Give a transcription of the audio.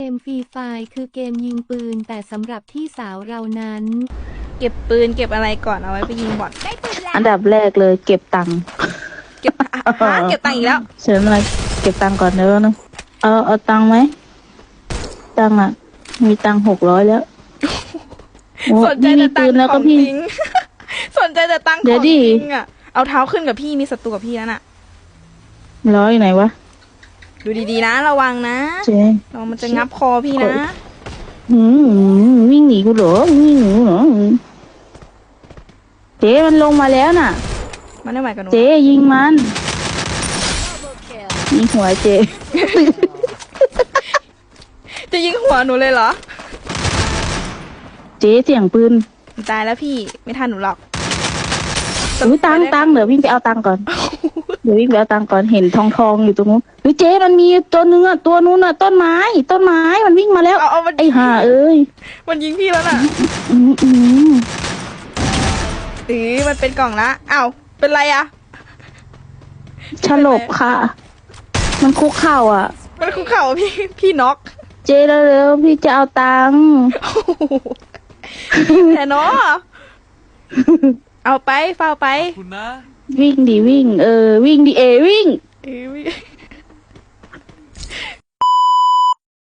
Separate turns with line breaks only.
เกมฟรีไฟร์คือเกมยิงปืนแต่สำหรับพี่สาวเรานั้น
เก็บปืนเก็บอะไรก่อนเอาไว้ไปยิงบอท
อันดับแรกเลยเก็บตังค์
เก็บเก็บตังค์อีกแล้ว
เชิญมาเก็บตังค์ก่อนเด้อนะเอาตังค์ไหมตังค์อ่ะ มีตังค์600แล้วโอ้
สนใจ
พี่มี
แต่ตั
ปื
ง
น
ค์
แล้ว
ข
ก็
อง
พี่
จริง สนใจแต่ตังค์ข
เดี๋
อย
ว
ง
ดิ
จริงอ่ะเอาเท้าขึ้นกับพี่มีศัตรูกับพี่แล้วน่ะ
ร้อยไหนวะ
ดูดีๆนะระวังนะ
เจ๊
ระวังมันจะงับคอพี่นะ
วิ่งหนีกูเหรอวิ่งหนีเหรอเจ๊มันลงมาแล้วน่ะ
มันไม่ไหวกับหนู
เจ๊ยิงมันยิงหัวเจ๊
จะยิงหัวหนูเลยเหรอ
เจ๊เสียงปืน
ตายแล้วพี่ไม่ทันหนูหรอก
อุ้ยตังค์เดี๋ยววิ่งไปเอาตังค์ก่อน เดี๋ยววิ่งไปเอาตังค์ก่อนเห็นทองอยู่ตรงนู้นเฮ้ยเจ๊มันมีตัวนึงอ่ะตัวนู้นอ่ะต้นไม้มันวิ่งมาแล้ว
เอามัน
ไอ้ห่าเอ้ย
มันยิงพี่แล้วน่ะ
อืมอืม
มันเป็นกล่องละอ้าวเป็นไรอะ
ฉลบค่ะ มันคุกเข่าอ่ะ
มันคุกเข่าพี่น็อก
เจ๊เร็วๆพี่จะเอาตังค์
แต่เนาะเอาไปเฝ้าไป
คุณนะ
วิ่งดิวิ่งวิ่งดิวิ่ง
เอ้ย